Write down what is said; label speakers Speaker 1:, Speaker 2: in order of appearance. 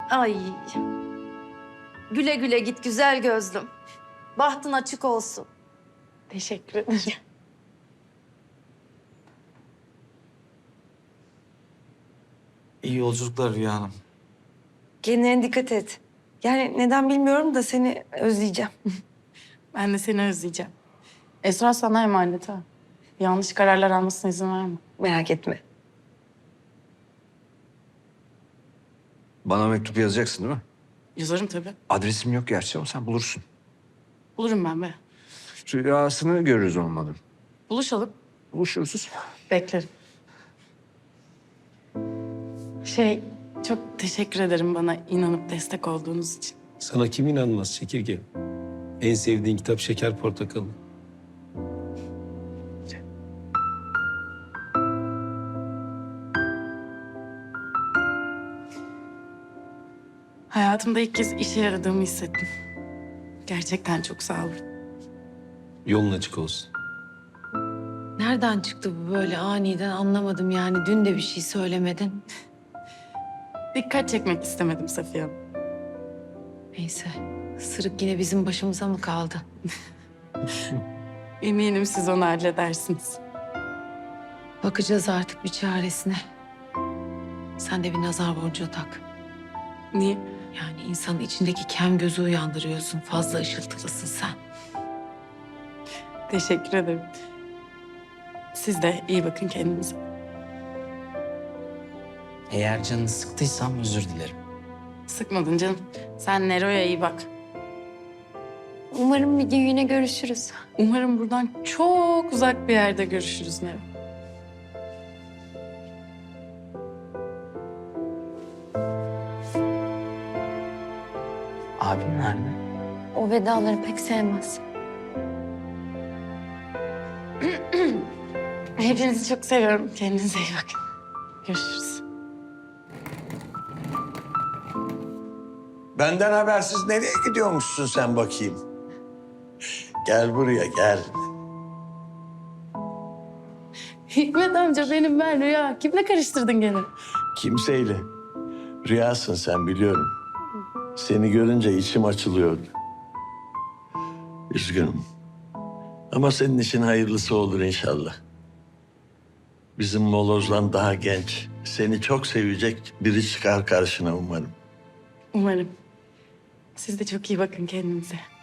Speaker 1: Ay. Güle güle git güzel gözlüm. Bahtın açık olsun.
Speaker 2: Teşekkür ederim.
Speaker 3: İyi yolculuklar Rüya Hanım.
Speaker 4: Kendine dikkat et. Yani neden bilmiyorum da seni özleyeceğim.
Speaker 2: Ben de seni özleyeceğim. Esra sana emanet ha. Yanlış kararlar almasına izin verme.
Speaker 4: Merak etme.
Speaker 5: Bana mektup yazacaksın değil mi?
Speaker 2: Yazarım tabii.
Speaker 5: Adresim yok gerçi ama sen bulursun.
Speaker 2: Bulurum ben be.
Speaker 5: Rüyasını görürüz olmadı.
Speaker 2: Buluşalım.
Speaker 5: Buluşuruz.
Speaker 2: Beklerim. Çok teşekkür ederim bana inanıp destek olduğunuz için.
Speaker 6: Sana kim inanmaz çekirge? En sevdiğin kitap Şeker Portakalı.
Speaker 2: Hayatımda ilk kez işe yaradığımı hissettim. Gerçekten çok sağ olun.
Speaker 6: Yolun açık olsun.
Speaker 7: Nereden çıktı bu böyle aniden anlamadım yani. Dün de bir şey söylemedin.
Speaker 2: Dikkat çekmek istemedim Safiye Hanım.
Speaker 7: Neyse, sırık yine bizim başımıza mı kaldı?
Speaker 2: Eminim siz onu halledersiniz.
Speaker 7: Bakacağız artık bir çaresine. Sen de bir nazar boncuğu tak.
Speaker 2: Niye?
Speaker 7: Yani insanın içindeki kem gözü uyandırıyorsun. Fazla ışıltılısın sen.
Speaker 2: Teşekkür ederim. Siz de iyi bakın kendinize.
Speaker 3: Eğer canını sıktıysam özür dilerim.
Speaker 2: Sıkmadın canım. Sen Nero'ya iyi bak.
Speaker 8: Umarım bir gün yine görüşürüz.
Speaker 2: Umarım buradan çok uzak bir yerde görüşürüz Nero.
Speaker 3: Abim nerede?
Speaker 8: O vedaları pek sevmez.
Speaker 2: Hepinizi çok seviyorum. Kendinize iyi bakın. Görüşürüz.
Speaker 9: Benden habersiz nereye gidiyormuşsun sen bakayım? Gel buraya gel.
Speaker 2: Hikmet amca benim ben Rüya. Kimle karıştırdın gene?
Speaker 9: Kimseyle. Rüyasın sen biliyorum. Seni görünce içim açılıyordu. Üzgünüm. Ama senin için hayırlısı olur inşallah. Bizim molozdan daha genç, seni çok sevecek biri çıkar karşına umarım.
Speaker 2: Umarım. Siz de çok iyi bakın kendinize.